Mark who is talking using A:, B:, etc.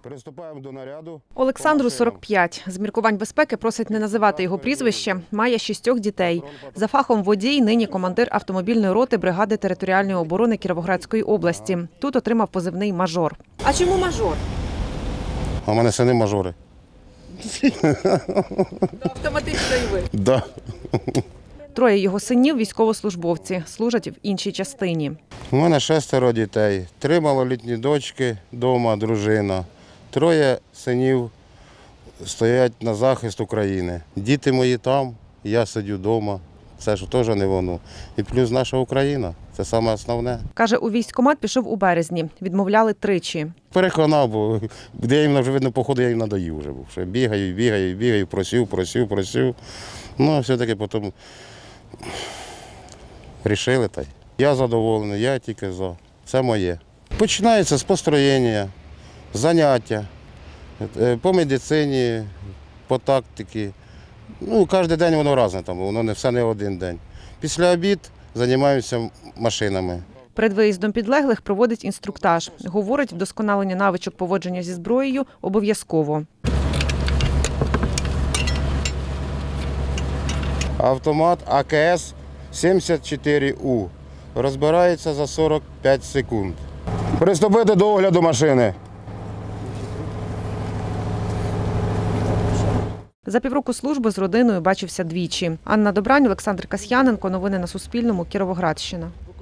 A: Приступаємо до наряду.
B: Олександру 45. З міркувань безпеки просить не називати його прізвище. Має 6 дітей. За фахом водій, нині командир автомобільної роти бригади територіальної оборони Кіровоградської області. Тут отримав позивний «Мажор». А чому «Мажор»?
A: А в мене сини мажори.
B: Автоматично і ви.
A: Да.
B: 3 його синів – військовослужбовці, служать в іншій частині.
A: У мене 6 дітей, 3 малолітні дочки вдома, дружина. 3 синів стоять на захист України. Діти мої там, я сидю вдома. Це ж теж не воно. І плюс наша Україна. Це саме основне.
B: Каже, у військкомат пішов у березні. Відмовляли 3.
A: Переконав, бо де я їм вже видно, походу, я їм надоїв вже був. Що бігаю, просив. Ну, а все-таки потім рішили та й. Я задоволений, я тільки за. Це моє. Починається з построєння, заняття по медицині, по тактиці. Ну, кожен день воно різне, там, воно не все не один день. Після обід займаємося машинами.
B: Перед виїздом підлеглих проводить інструктаж. Говорить, вдосконалення навичок поводження зі зброєю обов'язково.
A: Автомат АКС-74У. Розбирається за 45 секунд. Приступити до огляду машини.
B: За півроку служби з родиною бачився двічі. Анна Добрань, Олександр Касьяненко. Новини на Суспільному. Кіровоградщина.